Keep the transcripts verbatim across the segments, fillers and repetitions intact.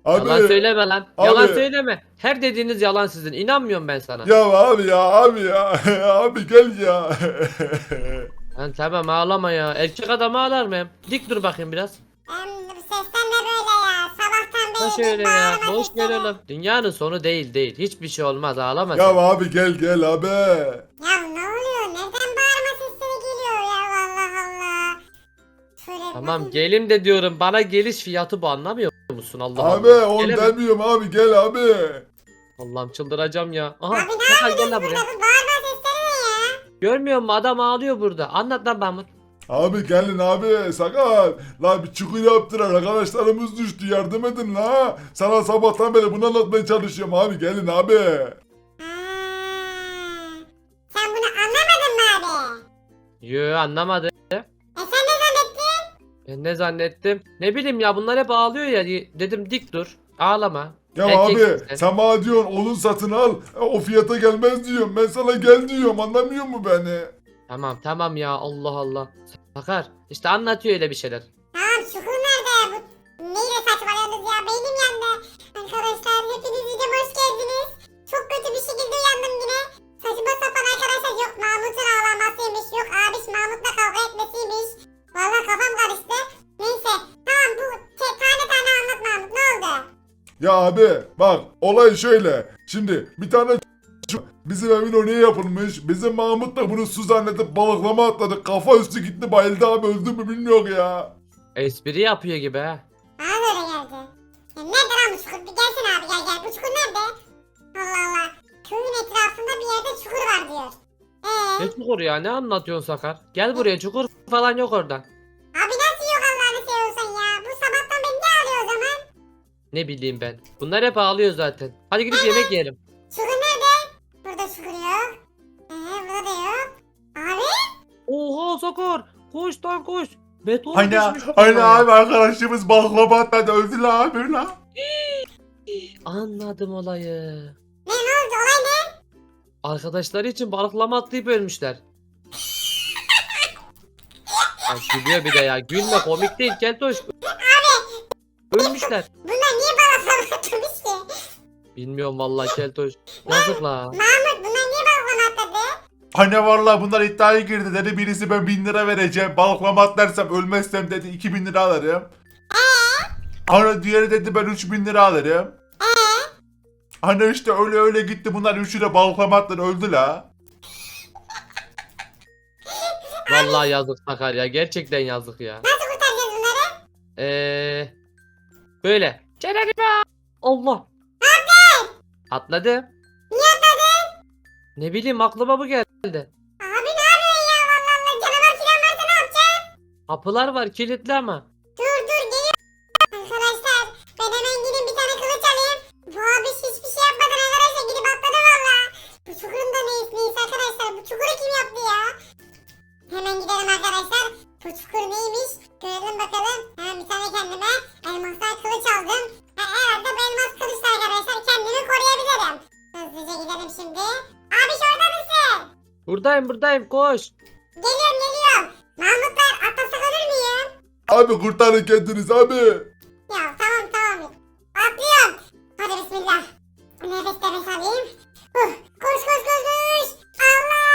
Abi. Yalan söyleme lan. Abi. Yalan söyleme. Her dediğiniz yalan sizin. İnanmıyorum ben sana. Ya abi ya abi ya. Abi gel ya. Lan tamam ağlama ya. Erkek adam ağlar mı hem? Dik dur bakayım biraz. Em, bu sesten de böyle ya. Sabahtan Da beri şöyle bir ya. bağırma Boş ver sesleri. oğlum. Dünyanın sonu değil değil. Hiçbir şey olmaz ağlama Ya sen. abi gel gel abi. Ya ne oluyor? Neden bağırma sesleri geliyor ya? Allah Allah. Şöyle bir Tamam bakayım. gelim de diyorum. Bana geliş fiyatı bu anlamıyor musun? Allah Abi Allah. onu Gelemem. demiyorum abi gel abi. Allah'ım çıldıracağım ya. Aha. Abi ne Sakal gel yapıyorsunuz lan burada? buraya. Bu bağırma sesleri ne ya? Görmüyor musun? Adam ağlıyor burada. Anlat lan Mahmut. Abi gelin abi sakal. La bir çukur yaptılar arkadaşlarımız düştü yardım edin la. Sana sabahtan beri bunu anlatmaya çalışıyorum abi gelin abi. Ha. Sen bunu anlamadın mı abi? Yo anlamadı. E sen ne zannettin? Ben ne zannettim? Ne bileyim ya bunlar hep ağlıyor ya. Dedim dik dur. Ağlama. Ya Erkeksin abi sen. sen bana diyorsun onun satın al. E, o fiyata gelmez diyorum. Ben sana gel diyorum anlamıyor mu beni? Tamam tamam ya Allah Allah. Sakar işte anlatıyor öyle bir şeyler. Tamam çukur nerede? Bu neyle saçmalıyorsunuz ya? Beynim yandı. Arkadaşlar hepiniz videoma hoş geldiniz. Çok kötü bir şekilde uyandım yine. Saçma sapan arkadaşlar yok Mahmut'un ağlamasıymış. Yok abiş Mahmut'la kavga etmesiymiş. Valla kafam karıştı. Neyse tamam bu te- tane tane anlat Mahmut ne oldu? Ya abi bak olay şöyle. Şimdi bir tane ç- bizim evin oraya yapılmış. Bizim Mahmut da bunu su zannedip balıklama atladı. Kafa üstü gitti bayıldı abi öldü mü bilmiyor ya. Espri yapıyor gibi ha. Bana da öyle geldi. Ya nerede lan bu çukur? Bir gelsene abi gel gel. Bu çukur nerede? Allah Allah. Köyün etrafında bir yerde çukur var diyor. Eee? Ne çukur ya ne anlatıyorsun Sakar? Gel buraya çukur falan yok orada. Abi nasıl yok Allah'ını seviyorsan ya? Bu sabahtan beri ne ağlıyor o zaman? Ne bileyim ben. Bunlar hep ağlıyor zaten. Hadi gidip yemek yiyelim. Çukur nerede? Burada çukur yok. Ee, burada da yok. Abi? Oha Sakar. Koş lan koş. Beton Hani düşmüş. hani buraya. abi arkadaşımız baklava atladı öldü la abi la. Anladım olayı. Ne ne oldu? Olay ne? Arkadaşları için balıklama atlayıp ölmüşler. Ya gülüyor bir de ya. Gülme komik değil Keltoş. Ölmüşler. Bunlar niye bana atlamış ki? Bilmiyorum vallahi Keltoş. Yazık la. Mahmut bunlar niye bana atladı? Hani vallahi bunlar iddiaya girdi dedi birisi ben bin lira vereceğim balıklama atlarsam ölmezsem dedi iki bin lira alırım. Hani diğeri dedi ben üç bin lira alırım. Hani işte öyle öyle gitti bunlar üçü de balıklama atladı öldü la. Vallahi yazık Sakar ya. Gerçekten yazık ya. Nasıl kurtaracağız bunları? Eee böyle. Çeneni Allah. Atladı. Niye atladın? Ne bileyim aklıma bu geldi. Abi ne yapıyorsun ya? Vallahi Allah canavar filan varsa ne yapacaksın? Kapılar var kilitli ama. Dur dur geliyor. Arkadaşlar ben hemen gidip bir tane kılıç alayım. Bu abi hiçbir şey yapmadan arkadaşlar gidip atladı valla. Bu çukurun da neyse neyse arkadaşlar. Bu çukuru kim yaptı ya? Hemen gidelim arkadaşlar. Bu çukur neymiş? Görelim bakalım. Hemen bir tane kendime elmastan kılıç aldım. Ha, herhalde bu elmas kılıçla arkadaşlar kendimi koruyabilirim. Hızlıca gidelim şimdi. Abi şurada mısın? Buradayım buradayım koş. Geliyorum geliyorum. Mahmutlar atlasak olur muyum? Abi kurtarın kendiniz abi. Ya tamam tamam. Atlıyorum. Hadi bismillah. Nefes nefes alayım. Huh. Koş koş koş koş. Allah.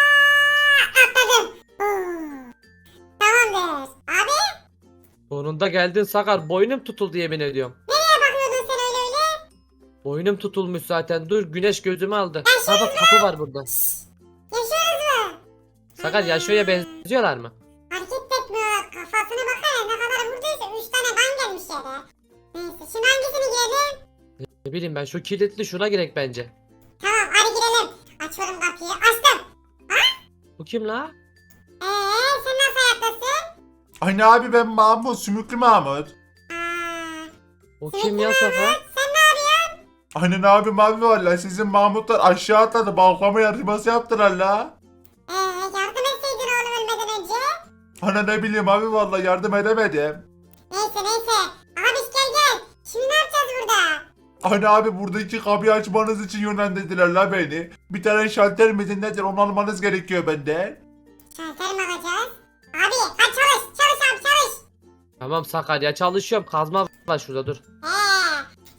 Atladım. Huh. Tamamdır. Abi Sonunda geldin Sakar. Boynum tutuldu yemin ediyorum. nereye bakıyordun sen öyle öyle? Boynum tutulmuş zaten. Dur güneş gözümü aldı. Ben Ha bak kapı var burada. Yaşıyoruz mu? Sakar Yaşo'ya benziyorlar mı? Hareket etmiyor. Kafasına bakana ne kadar vurduysa üç tane kan gelmiş yere. Neyse şimdi hangisini giyelim? Ne bileyim ben şu kilitli şuna girek bence. Tamam hadi girelim. Açıyorum kapıyı. Açtım. Bu kim la? Eee sen nasıl hayattasın? Hani abi ben Mahmut sümüklü Mahmut. Aa, O kim ya Sakar? sen ne yapıyorsun? Hani ne abi mavi var la sizin Mahmutlar aşağı atladı balıklama yarışması yaptılar la. Eee yardım etseydin oğlum ölmeden önce. Hani ne bileyim abi vallahi yardım edemedim. Neyse neyse. Abi gel gel. Şimdi ne yapacağız burada? Hani abi buradaki kapıyı açmanız için yönlendirdiler la beni. Bir tane şalter midir nedir onu almanız gerekiyor benden. Şalter mi alacağız? Abi hadi çalış. Çalış abi çalış. Tamam Sakar ya çalışıyorum. Kazma var şurada dur. Eee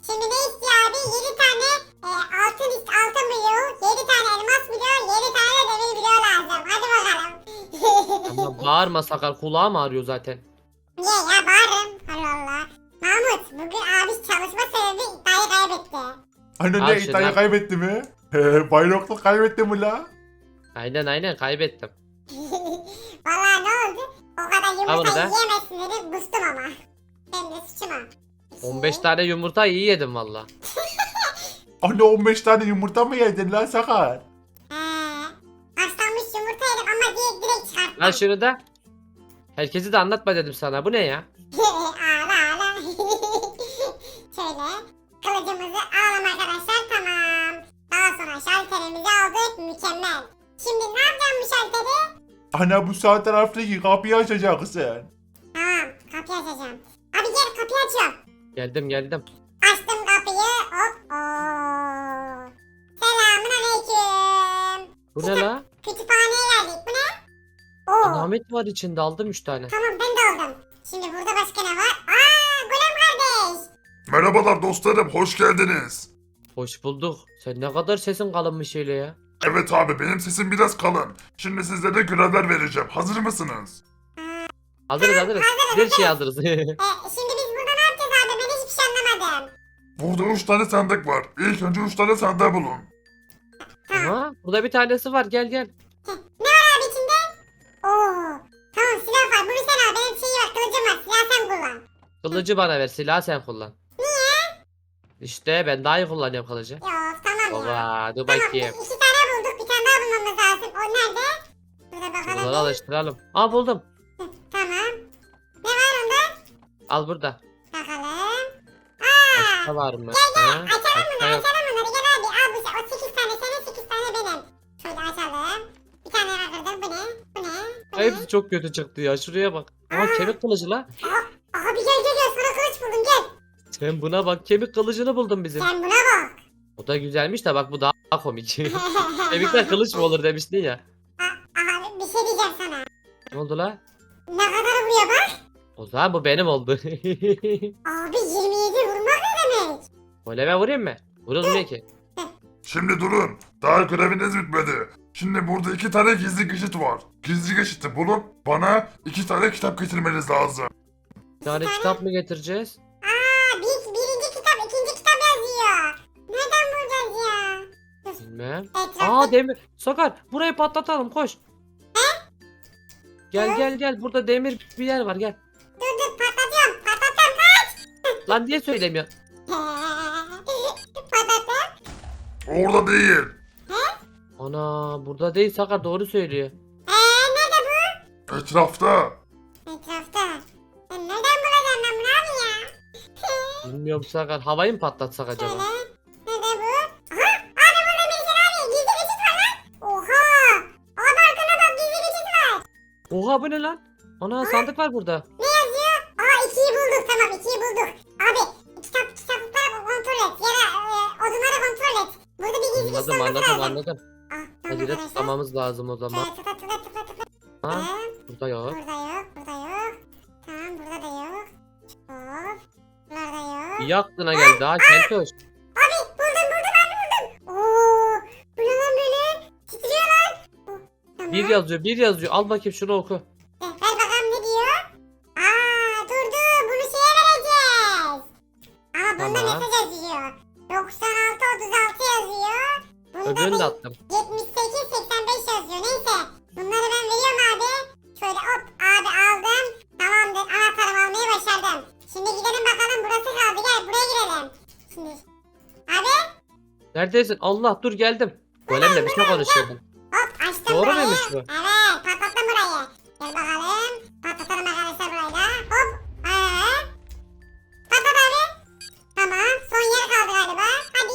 Bağırma Sakar, kulağım ağrıyor zaten. Niye ya bağırırım. Allah Allah. Mahmut bugün abi çalışma sebebi iddiayı kaybetti. Anne Al ne şunu, iddiayı al. kaybetti mi? He, bayraklık kaybetti mi la? Aynen aynen kaybettim. Vallahi ne oldu? O kadar Al bunu yumurta da. yiyemezsin dedi. Kustum ama. Benim de suçum o. on beş tane yumurta iyi yedim valla. Anne on beş tane yumurta mı yedin lan Sakar? He. Haşlanmış yumurta yedim ama direkt direkt çıkarttım. Al şunu da. Herkesi de anlatma dedim sana. Bu ne ya? ağla ağla. Şöyle kılıcımızı alalım arkadaşlar, tamam. Daha sonra şalterimizi aldık, mükemmel. Şimdi ne yapacağım bu şalteri? Ana bu sağ taraftaki kapıyı açacaksın. Tamam, kapıyı açacağım. Abi gel, kapıyı açıyorum. Geldim geldim. Açtım kapıyı, hop. Oo. Selamun aleyküm. Bu ne la? Kütüphaneye geldik, bu ne? Oo. Alamet var içinde, aldım üç tane. Tamam, ben de aldım. Şimdi burada başka ne var? Aa, Golem kardeş. Merhabalar dostlarım, hoş geldiniz. Hoş bulduk. Sen ne kadar sesin kalınmış öyle ya. Evet abi, benim sesim biraz kalın. Şimdi sizlere görevler vereceğim. Hazır mısınız? Hazırız hazırız. Her şey hazırız. E, şimdi biz burada ne yapacağız abi? Ben hiçbir şey anlamadım. Burada üç tane sandık var. İlk önce üç tane sandığı bulun. Aha, burada bir tanesi var, gel gel. Heh, ne var abi içinde? Oo. Tamam, silah var. Bunu sen al. Benim şeyi var. Kılıcım var. Silah sen kullan. Kılıcı bana ver, silahı sen kullan. Niye? İşte ben daha iyi kullanıyorum kılıcı. Yok, tamam ya. Baba dur Tamam, bakayım. iki tane bulduk. Bir tane daha bulmamız lazım. O nerede? Burada bakalım. Bunları alıştıralım. Aa buldum. Heh, tamam. Ne var onda? Al burada. Bakalım. Aa. Başka var mı? Gel Ha? gel. Açalım Başka bunları. yok. Açalım bunları. Gel abi. Al bu. O sekiz tane senin, sekiz tane benim. Şöyle açalım. Bir tane daha kırdım. Bu ne? Bu ne? Bu ne? Hepsi çok kötü çıktı ya, şuraya bak. Aa kemik kılıcı la. Abi gel gel gel. Sana kılıç buldum. Gel. Sen buna bak, kemik kılıcını buldum bizim. Sen buna bak. O da güzelmiş de bak bu daha komik. Kemikten kılıç mı olur demiştin ya. Abi bir şey diyeceğim sana. Ne oldu la? Ne kadar vuruyor bak. O zaman bu benim oldu. Abi yirmi yedi vurmak ne demek? Goleme vurayım mı? Vurulmuyor ki. Şimdi durun. Daha göreviniz bitmedi. Şimdi burada iki tane gizli geçit var. Gizli geçiti bulup bana iki tane kitap getirmeniz lazım. Bir tane kitap mı getireceğiz? Aa bir, birinci kitap ikinci kitap yazıyor. Nereden bulacağız ya? Bilmem. Etrafta Aa demir. Sakar burayı patlatalım, koş. Gel gel gel, burada demir bir yer var, gel. dur dur patlatıyorum patlatıyorum kaç. Lan niye söylemiyor? Patlattım. Orada değil. Ana burada değil, Sakar doğru söylüyor. Eee nerede bu? Etrafta. Etrafta. Ben nereden bulacağım ben bunu abi ya? Bilmiyorum Sakar, havayı mı patlatsak acaba? Şöyle. Nerede bu? Aha! Abi burada Melisa abi. Gizli geçit var lan. Oha! Abi arkana bak, gizli geçit var. Oha bu ne lan? Ana sandık var burada. Ne yazıyor? Aa ikiyi bulduk, tamam ikiyi bulduk. Abi kitap kitapları kontrol et. Ya da e, odunları kontrol et. Burada bir gizli geçit Anladım olması anladım lazım. anladım. Ah, tamam Hadi de arkadaşlar. tıklamamız lazım o zaman. Şöyle tıkla tıkla tıkla tıkla. Ha? Ee, Burada yok. burada yok, burada yok. Tamam burada da yok. Hop. Burada yok. İyi aklına geldi ha Kentoş. Abi buldum buldum abi buldum. Oo, bu ne lan böyle? Titriyor lan. Oh, tamam. Bir yazıyor bir yazıyor. Al bakayım şunu oku. Eh, ver bakalım ne diyor? Aa dur dur bunu şeye vereceğiz. Ama bunda Tamam. mesaj yazıyor. doksan altı otuz altı yazıyor. Bunda Öbürünü de da attım. yetmiş sekiz seksen beş yazıyor. Neyse. Bunları ben veriyorum abi. Şöyle hop abi aldım. Tamamdır, anahtarımı almayı başardım. Şimdi gidelim bakalım, burası kaldı, gel buraya girelim. Şimdi. Abi Neredesin? Allah dur geldim. Golemle bir şey konuşuyordum. hop açtım Doğru burayı. muymuş bu? Evet patlattım burayı. Gel bakalım. Patlatalım arkadaşlar burayı da. Hop. Ee. Patlat abi. Tamam. Son yer kaldı galiba. Hadi.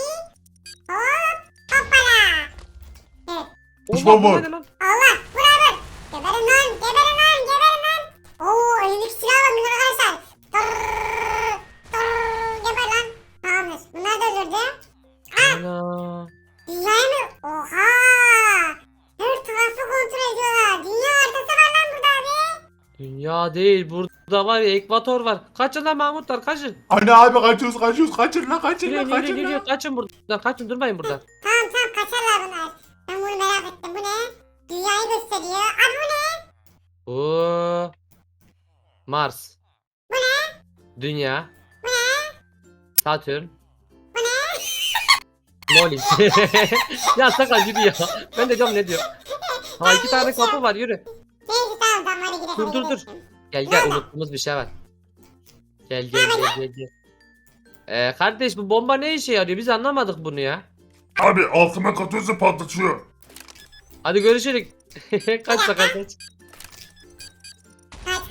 Hop. Hoppala. Evet. Düşman Allah bu var. ne lan? Allah. Vur vur. Geberin lan. Geberin lan. Geberin lan. Oo elindeki silah var bunlar arkadaşlar. Tırrrr. Tırrrr. Geber lan. Tamamdır. Bunları da öldürdüm. Ana. Dünyayı mı? Oha. Her tarafı kontrol ediyorlar. Dünya haritası var lan burada abi. Dünya değil, burada var ya, ekvator var. Kaçın lan Mahmutlar, kaçın. Anne abi kaçıyoruz kaçıyoruz kaçır la kaçır Geliyor la geliyor kaçır geliyor, la. kaçın buradan, kaçın, durmayın burada. Tamam tamam kaçarlar bunlar. Ben bunu merak ettim. Bu ne? Dünyayı gösteriyor. Abi bu ne? Bu Mars. Bu ne? Dünya. Bu ne? Satürn. Bu ne? Molly. Ya Sakar yürü ya. Ben de diyorum ne diyor. Ha iki tane kapı var yürü. Neyse tamam tamam hadi gidelim. Dur, hadi dur, dur. gidelim. Gel gel unuttuğumuz bir şey var. Gel gel gel gel. gel. Ee, kardeş bu bomba ne işe yarıyor? Biz anlamadık bunu ya. Abi altıma katıyorsa patlatıyor. Hadi görüşürüz. Kaç Sakar kaç. Kaç kaç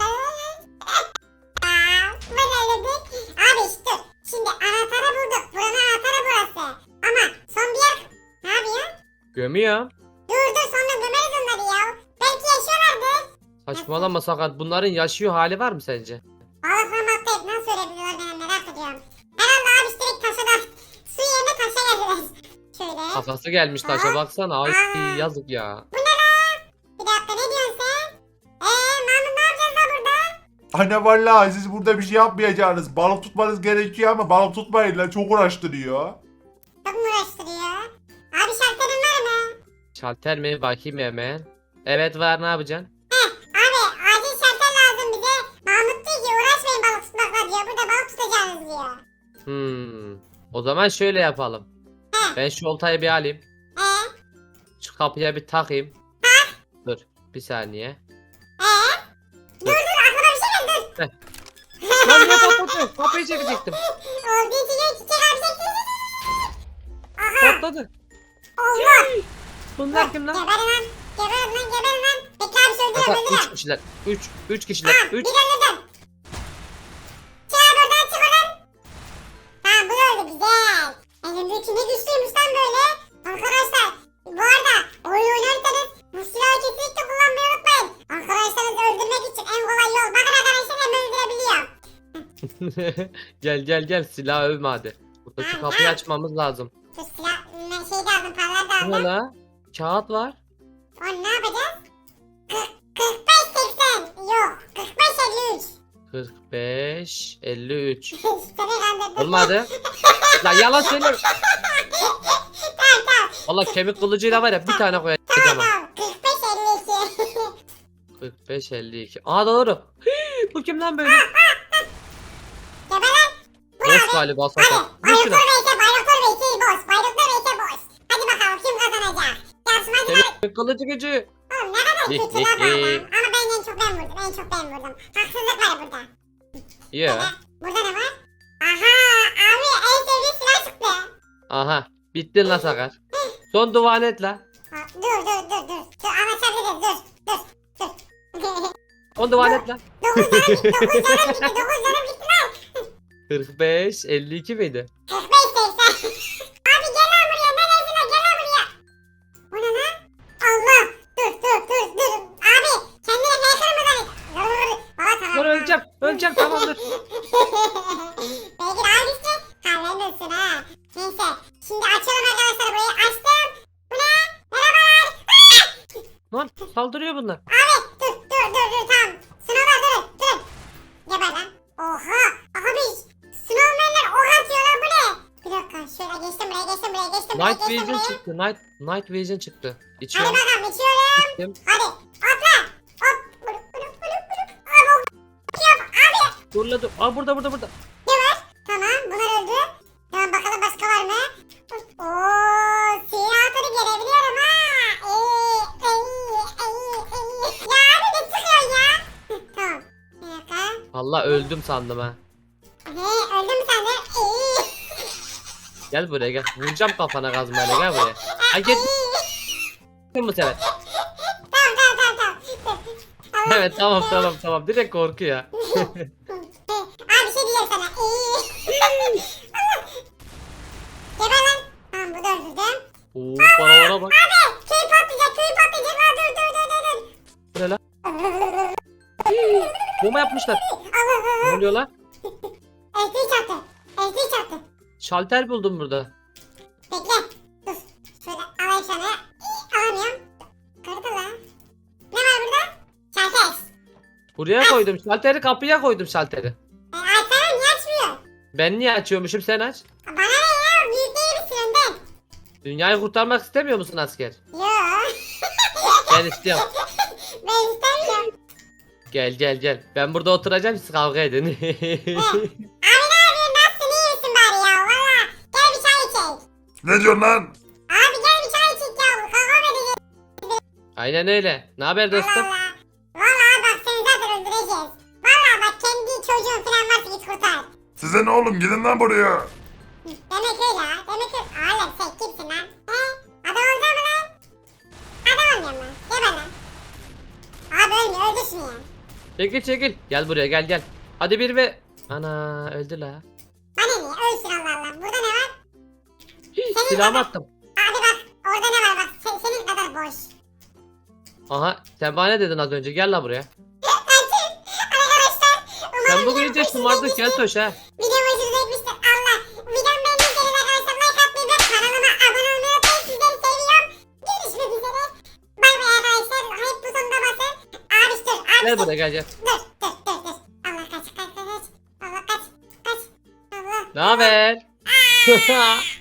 Aa, böyle dedik. Abi işte şimdi anahtarı bulduk. Buranın anahtarı burası. Ama son bir yer. Ne yapıyor? Gömüyor. Dur dur sonra gömeriz onları ya. Belki yaşıyorlardır. Saçmalama Sakar. Bunların yaşıyor hali var mı sence? Balıklamakta hep nasıl ölebiliyorlar ben merak ediyorum. Herhalde abi işte direkt taşa da su yerine taşa geldiler. Şöyle. Kafası gelmiş taşa baksana. Ay Aa. yazık ya. Bu ne lan? Bir dakika ne diyorsun sen? Eee Mahmut ne yapacağız da burada? Anne vallahi siz burada bir şey yapmayacaksınız. Balık tutmanız gerekiyor ama balık tutmayın lan, çok uğraştırıyor. Çok mu uğraştırıyor? Abi şartların var mı? Şalter mi? Bakayım hemen. Evet var ne yapacaksın? Abi acil şartlar lazım bize. Mahmut diyor ki uğraşmayın balık tutmakla diyor. Burada balık tutacağınız diyor. Hmm. O zaman şöyle yapalım. He. Ben şu oltayı bir alayım. Eee? Şu kapıya bir takayım. Dur bir saniye. Eee? Dur dur aklıma bir şey geldi dur. Lan ne patladı? Kapıyı çekecektim. Oldu içine çiçek abi çekti. Aha Patladı. Allah. Bunlar kim lan? Geberin lan. Geberin lan geberin lan. Bekle abi söyleyeceğim Sakar üç öldürüyorum. kişiler. üç. üç kişiler. Tamam üç. bir öldürdüm. Çık abi oradan çık oradan. Tamam bu da öldü güzel. Elimdeki ne güçlüymüş lan böyle. Arkadaşlar bu arada oyun oynarsanız bu silahı kesinlikle kullanmayı unutmayın. Arkadaşlarınızı öldürmek için en kolay yol. Bakın arkadaşlar hemen öldürebiliyor. Gel gel gel silah övme hadi. Buradaki kapıyı açmamız lazım. Şu silah ne- şey de aldım paralar da Bu ne aldım. la? Kağıt var. Onu ne yapacağız? kırk, kırk beş seksen. Yok kırk beş elli üç. kırk beş elli üç. Seni kandırdım. Olmadı. Lan yalan söylüyorum. Tamam tamam. Valla kemik kılıcıyla var ya bir tane koyacağım. Tamam ha. tamam. kırk beş elli iki. kırk beş elli iki. Aa doğru. Hii, bu kim lan böyle? Geber lan. Boş galiba Sakar. Hadi. Vur şuna. Bayraktar Bey'se Bayraktar Bey'se boş. Bayraktar Bey'se boş. Hadi bakalım kim kazanacak? Yarışmacı var. Kemik kılıcı gücü. Oğlum ne kadar kötü lan bu adam. Ama ben en çok ben vurdum. En çok ben vurdum. Haksızlık var burada. Ya. Burada ne var? Aha abi en sevdiği silah çıktı. Aha. Bittin la Sakar. Son duvan et la. Ha, dur dur dur dur. Dur anlaşabiliriz dur. Dur dur. Son duvan et la. dokuz canım gitti. dokuz canım gitti. dokuz canım gitti lan. kırk beş elli iki miydi? kırk beş seksen. Abi gel lan buraya. Ne dersin lan? Gel lan buraya. Bu ne lan? Allah. Dur dur dur dur. Abi kendine hacker mı zannet? Dur. Valla tamam. Dur öleceğim. Öleceğim tamam dur. Belki daha güçlü. Kahverensin ha. Neyse. Şimdi açalım arkadaşlar burayı. Açtım. Bu ne? Merhabalar. Lan saldırıyor bunlar. Abi dur dur dur dur tamam. Sınavlar durun durun. Geber lan. Oha. Abi snowmanler ok atıyor lan bu ne? Bir dakika şöyle geçtim buraya geçtim buraya geçtim buraya Night geçtim Vision buraya. çıktı. Night Night Vision çıktı. Hadi İçiyorum. bakalım içiyorum. İçtim. Hadi atla. Hop. Vurup vurup vurup vurup. Abi ok. Yap abi. Dur la dur. Aa burada burada burada. Ne var? Tamam bunlar öldü. Tamam bakalım başka var mı? Ooo siyah atını gelebiliyorum ha. Eee eee eee eee. Ya abi ne çıkıyor ya? Hı, tamam. Bir dakika. Valla öldüm sandım ha. He öldün mü sen de? Eee. Gel buraya gel. Vuracağım kafana kazmayla gel buraya. Ay gel bu sefer. Tamam tamam tamam tamam. Allah. Evet tamam tamam tamam. Direkt korku ya. He, abi bir şey diyeceğim sana. Eee. Allah. Geber lan. Tamam bu da öldürdüm. Oo paralara bak. Abi köy patlayacak köy patlayacak. Aa, dur dur dur dur dur. Bu ne lan? Bomba yapmışlar. Ne Allah. oluyor lan? Esri çarptı. Esri çarptı. Şalter buldum burada. Bekle. Dur. Şöyle alayım sana. İyi, alamıyorum. Kırdı lan. Ne var burada? Şarkes. Buraya koydum şalteri kapıya koydum şalteri. E, Alperen niye açmıyor? Ben niye açıyormuşum sen aç. Bana ne ya? Büyük değil misin önden? Dünyayı kurtarmak istemiyor musun asker? Yok. Ben istiyorum. Ben istemiyorum. Gel gel gel. Ben burada oturacağım siz kavga edin. He. Abi ne yapıyorsun? Nasılsın? İyi misin bari ya? Valla. Gel bir çay içelim. Ne diyorsun lan? Abi gel bir çay içelim ya. Kavga mı edeceğiz? Aynen öyle. Ne haber Allah dostum? Allah. Valla bak seni zaten öldüreceğiz. Valla bak kendi çocuğun falan varsa git kurtar. Size ne oğlum gidin lan buraya. Demek öyle ha. Demek öyle. Oğlum sen kimsin lan? He? Adam olacak mı lan? Adam olmuyor mu? Geber lan. Abi ölmüyor. Öldür şunu ya. Çekil çekil. Gel buraya gel gel. Hadi bir ve... Ana öldü la. Bana niye? Ölsün Allah Allah. Burada ne var? Hii, Senin silahımı kadar- attım. Abi bak. Orada ne var bak. Se- senin kadar boş. Aha sen bana ne dedin az önce gel la buraya. Kaçın. Arkadaşlar. Umarım Sen bugün videom iyice hoşunuza şımardın gitmiştir. Keltoş ha. Videom hoşunuza gitmiştir. Allah. Videom beğendiyseniz arkadaşlar like atmayı ve kanalıma abone olmayı unutmayın. Sizleri seviyorum. Görüşmek üzere. Bay bay arkadaşlar. Hype butonuna basın. Abi dur. Abi Gel dur. buraya gel gel. Dur dur dur dur. Allah kaç kaç kaç kaç. Allah kaç kaç. Allah. Ne haber?